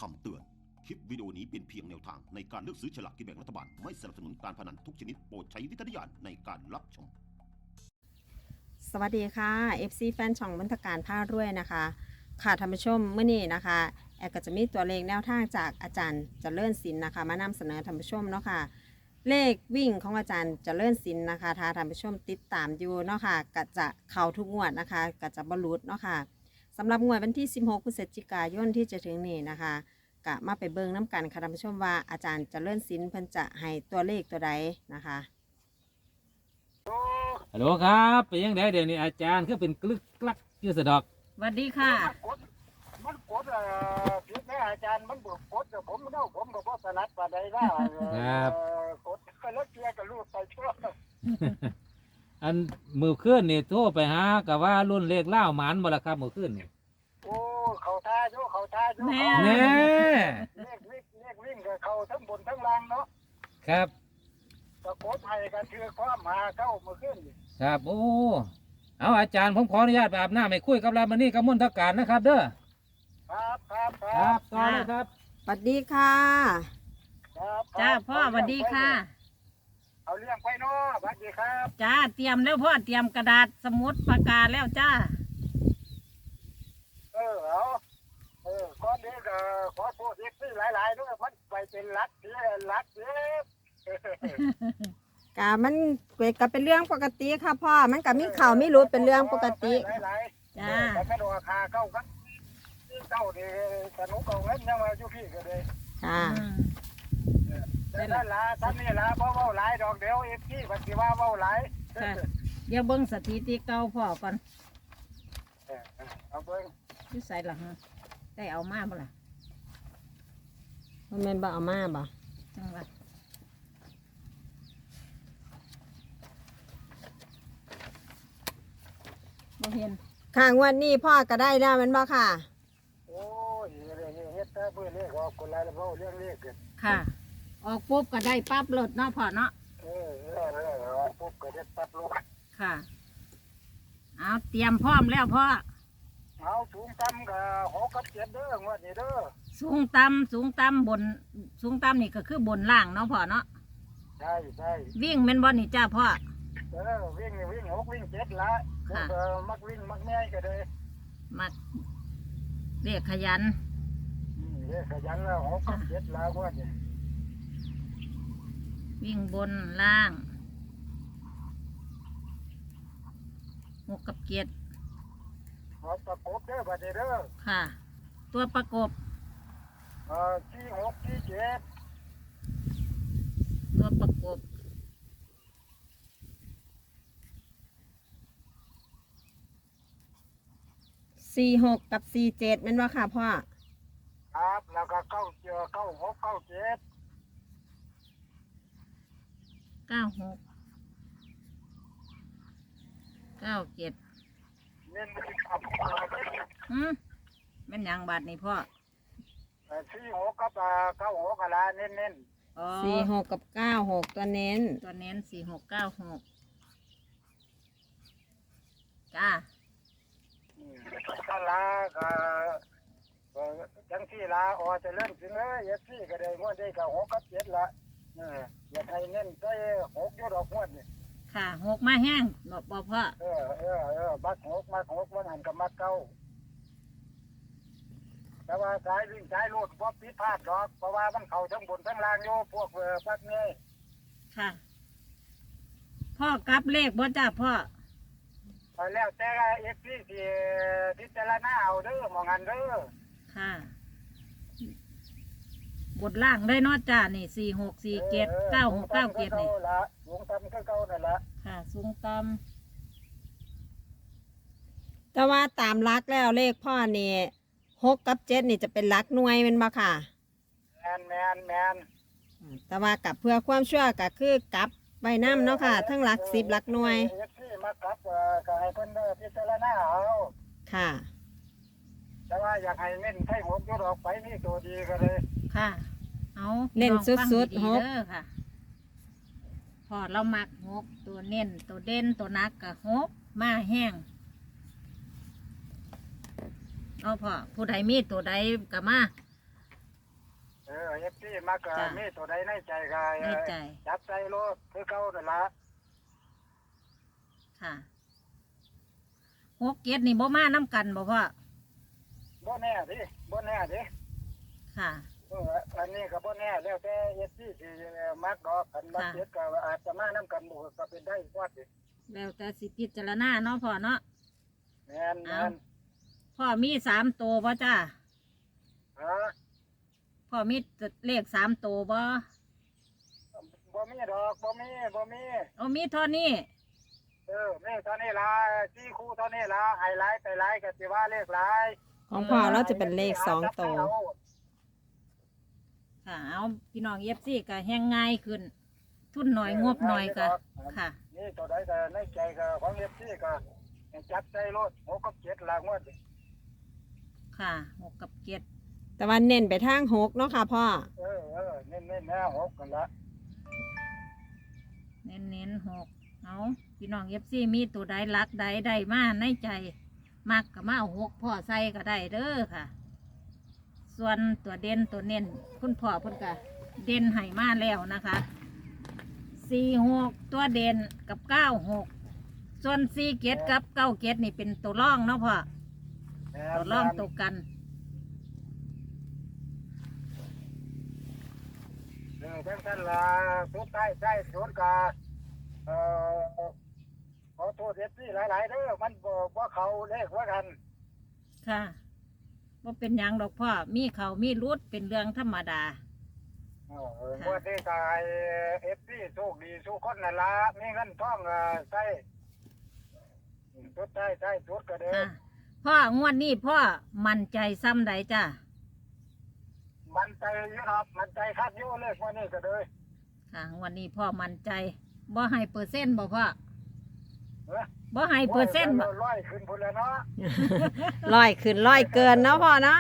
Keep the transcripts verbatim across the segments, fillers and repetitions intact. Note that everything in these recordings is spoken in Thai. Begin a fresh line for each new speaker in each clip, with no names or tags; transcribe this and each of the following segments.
ำเตือน คลิปวิดีโอนี้เป็นเพียงแนวทางในการเลือกซื้อฉลากกินแบ่งรัฐบาล ไม่สนับสนุนการพนันทุกชนิดโปรดใช้วิจารณญาณในการรับชม
สวัสดีค่ะ เอฟ ซี แฟนช่องบรรทการผ้ารวยนะคะ ค่ะท่านผู้ชมเมื่อนี้นะคะแอร์ก็จะมีตัวเลขแนวทางจากอาจารย์เจริญศิลป์นะคะมานำเสนอท่านผู้ชมเนาะค่ะเลขวิ่งของอาจารย์เจริญศิลป์นะคะถ้าท่านผู้ชมติดตามอยู่เนาะค่ะก็จะเข้าทุกงวดนะคะก็จะบรรลุเนาะค่ะสำหรับงวดวันที่สิบหกพฤศจิกายนที่จะถึงนี้นะคะก็มาไปเบิ่งน้ำกันค่ะท่านผู้ชมว่าอาจารย์เจริญศิลป์เพิ่นจะให้ตัวเลขตัวใดนะคะ
ฮัลโหลครับเป็นยังไงเดี๋ยวนี้อาจารย์คือเป็นกลึกกลักอยืดสะดอก
สวัสดีค่ะ
มันกดมันกดเอ่อผิดแม่อาจารย์มันบอกกดแต่ผมเนาะผมก็บ่ถนัดปานใดนะเอ่อกดก็แล้วเกียร์ก็ลูกไปชั่ว
อันมือขึ้นนี่โทรไปหากับว่ารุ่นเลขเล่าหมันบ่ละครับมือขึ้นนี่
โอ้เขาท่าอยู่เขาท่าอยู่
แม่
เขา
แน่
เลขวิ่งเลขวิ่งก็เขาทั้งบนทั้งล่างเนาะ
ครับ
ก็กดให้กันคือความหาเข้าเมื่อคืนนี่
ครับโอ้เอาอาจารย์ผมขออนุญาตไปอาบน้ำให้คุยกับรามานี่กับมนทการนะครับเด้อ
ครับครับค
ค
รั
รั
บบ
ต่อเลยครับ
สวัสดีค่ะ
ครับ
จ้าพ่อสวัสดีค่ะ
เอาเรื่องไปเนาะสวัสดีครับ
จ้าเตรียมแล้วพ่อเตรียมกระดาษสมุดปากกาแล้วจ้า
เออเอาเออก่อนนี้ก็ขอโทษอีกที่หลายๆด้วยมันไปเป็นรักเสียรักเสีย
กะมันก็เป็นเรื่องปกติค่ะพ่อ มันก็มีข่าวมีรู้เป็นเรื่องปกติ
หลายๆ
จ้า
แต่ไม่ดูราคาเข้ากันเจ้าดีสนุกเอาเงินยังมาอยู่พี่ก็เลย
ค่ะ
อืม
แต่นั่นละท่านนี่ละเพราะว่าหลายดอกเดียวเอฟซีปฏิว่าว่าหลาย
ค่ะเดี๋ยวเบิ้งสถิติเก่าพ่อก่อน
เออเอาเบิ่ง
ที่ใส่หรอฮะได้เอามาบ่ล่ะ
มันเป็นบ่เอามาบ่
จังหวะบ่เห็น
ค่ะงวันนี้พ่อก็ได้แล้วแมันบ่ค่ะ
โอ้ยเฮ็ดแต่เพื่อเรียกว่าคนไรแล้วเรื่องเรียกกัน
ค่ะ ออกปุ๊บก็ได้ปั๊บรถเนาะพ่อเนาะ
เออเออเออปุ๊บก็เฮ็ดปั๊บลูก
ค่ะ เอาเตรียมพร้อมแล้วพ่อ
เอาสูงต่ำก็หกกับเจ็ดเด้องวดนี้เด้อ
สูงต่ำสูงต่ำบน สูงต่ำนี่ก็คือบนล่างเนาะพ่อเนาะ
ใช่ใช่
วิ่งแม่นบ่นี่จ้าพ่อ
เออวิ่งวิ่งหกวิ่งเจ็ดละเออมักวิ่งมักแม่ก็เลย
มักเรียกขยัน
เรียกขยันแล้วหกกับเจ็ดละงวดนี้
วิ่งบนล่างหกกับเจ็ด
หกประกบเด้อบัดนี้เด้อ
ค่ะ ตัวประกบ
เอ่อที่หกที่เจ็ด
ตัวประกบ
สี่หกกับสี่เจ็ดแมันบ่ค่ะพ่อ
ครับแล้วก็เก้าเจอเก้าหกเก้าเจ็ด
เก้าหกเก้าเจ็ด
เน้นไปกับ
อืมแม่นหยังบาทนี่พ่อ
เอ่อที่หกกับเอ่อเก้าหกอะไรเน้นเน้น
อ๋อ
สี่หกกับเก้าหกตัวเน้น
ตัวเน้นสี่หกเก้าหกจ้า
ก็ลาก็เอ่อจังที่ลาออจะเริ่มถึงเลยยัที่ก็ได้งวดได้ก็หกกับเจ็ดละเอออยากให้เน้นใส่หกอยู่ดอกงวดนี่
ค่ะหกมาแห้งบอกบอกพ่อ
เออเออเออมักหกมักหกมันหันกับมักเก้าแต่ว่าสายวิ่งสายลูดพวกพิดพลาดดอกเพราะว่ามันเข่าทั้งบนทั้งล่างโยพวกเออพักนี้
ค่ะ พ่อกลับเลขบ่จ้าพ่อ
ไปแล้วแต่เอฟซีที่พิจารณาเอาเด้อมองหันเด้อ
ค่ะ บทล่างได้เนอจ้านี่สี่หกสี่เจ็ดเก้าหกเก้าเจ็ดนี่
ละหลวงตำก็เก้านั่นละ
ค่ะ สูงต่
แต่ว่าตามรักแล้วเลขพ่อนี่หกกับเจ็ดนี่จะเป็นรักหน่วยแมันบ่ค่ะ
แมนแมนแมน
แต่ว่ากับเพื่อความชั่วก็คือกลับใบน้ำเนาะค่ะ ทั้งรักสิบรักหน่วย
เอฟซีมากลับเอ่อก็ให้เพิ่นเด้อพิจารณาเอา
ค่ะ
แต่ว่าอยากให้เน้นให้หกอยุดออกไปนี่ตัวดีก็เลย
ำค่ะ เอา
เน้น
ลองฟัง
สุดๆ
ดี
ห
ๆ
ก
เด้อค่ะ พอเรามักหกตัวเน้นตัวเด่นตัวนักกับหกมาแห้งเอาพอผู้ใดมีตัวใดกับมา
มักก็
จ้ะ
มีตัวใดในใจก็
ในใจ
จับใจโลดคือเก่านั่นล่ะ
ค่ะหกเจ็ดนี่บ่มาน้ำกันบ่พ่อ
บ่แน่ดิบ่แน่ดิ
ค่ะ
เอออันนี้ก็บ่แน่แล้วแต่เอฟซีสิมักดอกกันมัก
ค่ะ
เจ็ดก็อาจจะมานํกันบ่ก็เป็นได้ว่าดิ
แล้วแต่สิพิจารณาเนาะพ่อเนาะ
แม่น
เอา
แม่น
พ่อมีสามตัวบ่จ้า
ฮะ
พ่อมีเลขสามตัวบ่
บ่มีดอกบ่มีบ่มี
เอามีเท่านี้
เออมีเท่านี้ล่ะสี่คู่เท่านี้ล่ะไฮไลท์ไปไลท์ก็สิว่าเลขหลาย
ของพ่อเราจะเป็นเลขสองตัว
ค่ะ เอาพี่น้องเอฟซีก็แห้งง่ายขึ้น ทุนหน่อยงบหน่อยก็ค่ะ
นี่ตัวใดก็ในใจก็ของเอฟซีก็จับใจรถหกกับเจ็ดล่ะงวดนี้
ค่ะหกกับเจ็ด
แต่ว่าเน้นไปทางหกเนาะค่ะพ่อ
เออเออเน้นๆแน่หกกันละ
เน้นเน้นๆหกเอาพี่น้องเอฟซีมีตัวใดรักใดใดมาในใจ มักกับมาเอาหกพ่อใส่ก็ได้เด้อค่ะ ส่วนตัวเด่นตัวเน้นคุณพ่อเพุ่นกะเด่นให้มาแล้วนะคะสี่หกตัวเด่นกับเก้าหกส่วนสี่เกตกับเก้าเกตนี่เป็นตัวร่องเนาะพ่อ
แม่
ตัวร่องตัวกัน
เออทั้งท่านล่ะสุดท้ายใช่สุดกาเอ่อขอโทษเอฟซีหลายๆเด้อมันบอกว่าเขาเลขว่ากัน
ค่ะว่าเป็นหยังดอกพ่อมีเขามีรุดเป็นเรื่องธรรมดา
เออว่าที่ตายเอฟซีโชคดีสุขคนนั่นละมีเงินทองเอ่อใช่อืมสุดท้ายใช่สุดก็เด้อ
ค่ะพ่องวดนี้พ่อมั่นใจซ้ำใดจ้ะ
มันใจอยูครับมันใจคัดอยูเลขวันนี้ก็เด้อ
ค่ะงวดนี้พ่อมั่นใจบ่ให้เปอร์เซ็นต์บ่พ่อ
เอ้อ
บ่ให้เปอร์เซ็นต์บ่
ร้อยขึ้นพุ่นแล้วเนาะ
ร้อยขึ้นร้อยเกินเนาะพ่อเนาะ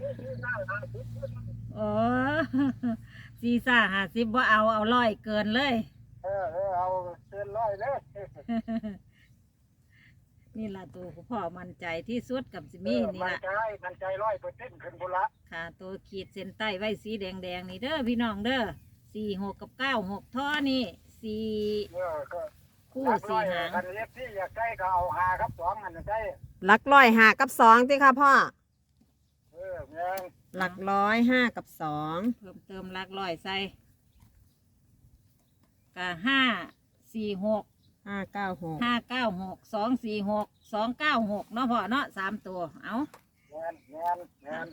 โอ้ซีซ่าห้าสิบว่าเอาเอาร้อยเกินเลย
เออเออเอาเกินร้อยเลย
นี่ล่ะตัวพ่อมั่นใจที่สุดกับสิมีนี่
มัน
ล่ะ
ใจมันใจร้อยเปอร์เซ็นต์ขึ้นพุ่นละ
ค่ะ ตัวขีดเส้นใต้ไว้สีแดงแดงๆนี่เด้อพี่น้องเด้อสี่หกกับเก้าหกท่อนี่สี่
เออก็
คู่
รักร้
สี่
อย
หาง
คันเล็บที่อยากได้ก็เอาหาครับสองอันนั้นได้
หลักร้อยห้ากับสองติค่ะพ่อ
เออแม่ง
หลักร้อยห้ากับสอง
เพิ่มเติมหลักร้อยใส่กะห้าสี่หก
ห้าเก้าหก
ห้าเก้าหกสองสี่หกสองเก้าหกเนาะพ่อเนาะสามตัวเอา
แม่นแม่นแม่น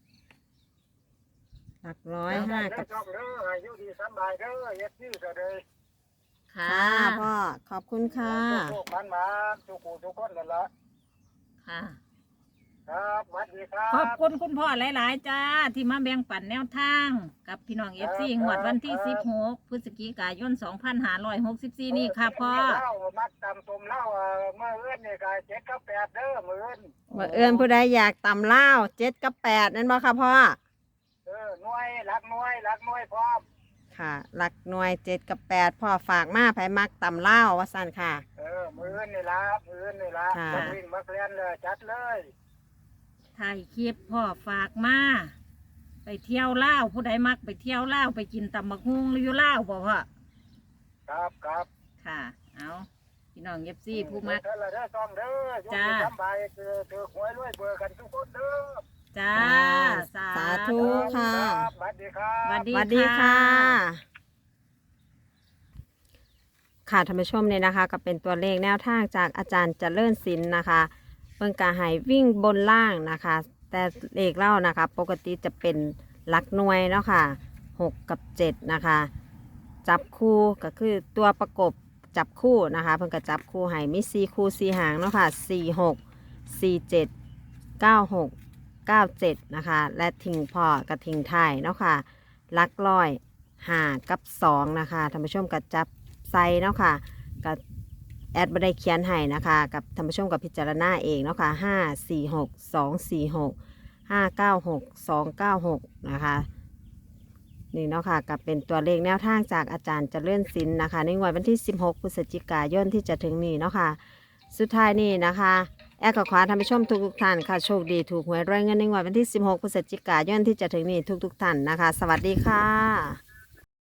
หลักร้อยห้ากับ
เด้อเด้ออายุดีสำบายเด้อเอฟซีก็เลย
ค่ะ
ค่ะพ่อขอบคุณค่ะ
ทุกมันมาทุกคู่ทุกคนนั่นละ
ค่ะ
ครับสวัสดีครับ
ขอบคุณคุณพ่อหลาย ๆ จ้า ที่มาแบ่งปันแนวทาง กับพี่น้องเอฟซีหวดวันที่สิบหกพฤศจิกายนสองพันห้าร้อยหกสิบสี่นี่ค่ะพ่อ
เล่ามัดตำตุ่มเล่าเอ่อเมื่อเอื้อนนี่ก็เจ็ดกับแปดเด้อมื่อเอื้อน
ว่าเอื้อนผู้ใดอยากต่ำเล่าวเจ็ดกับแปดนั่นบ่ค่ะพ่อ
เออหน่วยรักหน่วยรักหน่วยพร้อม
ค่ะหลักหน่วยเจ็ดกับแปดพ่อฝากมาไผมักต่ำเล่าวว่าสั่นค่ะ
เออมือเอื้อนนี่ละมือเอื้อนนี่ละ
ค่ะ
จะวิ่งมาเรียนเลยจัดเลย
ถ่ายคลิปพ่อฝากมา ไปเที่ยวเล่าวผู้ใดมักไปเที่ยวเล่าวไปกินตำบักฮุงหรืออยู่เล่าวบ่พ่อ
ครับครับ
ค่ะ เอาพี่น้องเอฟซีผู้มัก
เด้อละเด้อต้องเด้ออยู่
จ้า
ที่สำบายคือถือหวยรวยเบอร์กันทุกคนเด้อ
จ้า สา
สาธุ ค่ะ
รับสวัสดีครับ
สวัส
สวัสดีค่ะ ค่ะท่านผู้ชมเนี่ยนะคะ ก็เป็นตัวเลขแนวทางจากอาจารย์เจริญศิลป์นะคะเพิ่งกาให้วิ่งบนล่างนะคะ แต่เลขเล่านะคะ ปกติจะเป็นหลักหน่วยเนาะค่ะหกกับเจ็ดนะคะ จับคู่ก็คือตัวประกบจับคู่นะคะ เพิ่งก็จับคู่ให้มีสี่คู่สี่หางเนาะค่ะสี่หกสี่เจ็ดเก้าหกเก้าเจ็ดนะคะ และทิ้งพอกับทิ้งท้ายเนาะค่ะหลักร้อยห้ากับสองนะคะท่านผู้ชมก็จับใส่เนาะค่ะกับแอดบัได้เขียนให้นะคะกับท่านผู้ชมกับพิจารณาเองเนาะค่ะห้าสี่หกสองสี่หกห้าเก้าหกสองเก้าหกนะคะนี่เนาะค่ะกับเป็นตัวเลขแนวทางจากอาจารย์เจริญศิลป์นะคะในงวดวันที่สิบหกพฤศจิกายนที่จะถึงนี้เนาะค่ะสุดท้ายนี่นะคะแอร์ก็ขอท่านผู้ชมทุกๆท่านค่ะโชคดีถูกหวยรวยเงินในงวดวันที่สิบหกพฤศจิกายนที่จะถึงนี้ทุกๆท่านนะคะ สวัสดีค่ะ